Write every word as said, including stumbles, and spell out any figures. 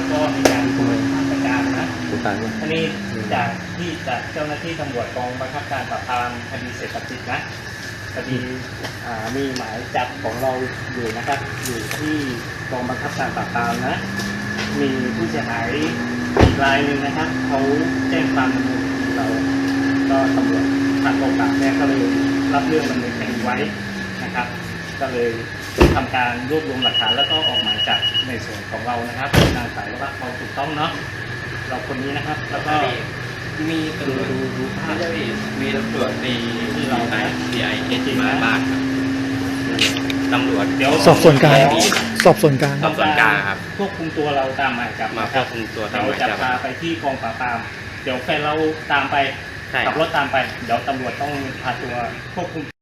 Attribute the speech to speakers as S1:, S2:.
S1: ก็มีการคุมมาตรการนะ
S2: สุดท้ายว่า
S1: อันนี้จากที่จากเจ้าหน้าที่ตำรวจกองบังคับการปราบปรามคดีเสพติดนะคดีอ่ามีหมายจับของเราอยู่นะครับ อยู่ที่กองบังคับการปราบปรามนะ มีผู้เสียหายอีกรายหนึ่งนะครับเขาแจ้งความดำเนินคดีเราก็ตำรวจทางกองปราบเนี่ยก็เลยรับเรื่องดำเนินคดีไว้นะครับ ก็เลยทำการรวบรวมหลักฐานแล้วก็ออกหมายจับในส่วนของเรานะครับนางสาวว่าเขาถูกต้องเนาะเราคนนี้นะครับแล้วก็
S3: มีตำรวจ
S1: ดูดูภาพ
S3: มีตำรวจใน
S1: ที่เรา
S3: ไอซีไอเอสมาบ้านครับตำรวจ
S1: เดี๋ยว
S4: สอบส่วนกลาง
S1: เดี๋ยว
S4: สอบส่วนกลาง
S3: สอบสวนกลางครับ
S1: ควบคุมตัวเราตามหมายจับ
S3: มา
S1: นะ
S3: ควบคุมตัวตาม
S1: เรา
S3: หมาย
S1: จะ
S3: จับ
S1: พาไปที่กองปราบปรามเดี๋ยวแฟนเราตามไป
S3: ใช่
S1: ขับรถตามไปเดี๋ยวตำรวจต้องพาตัวควบคุม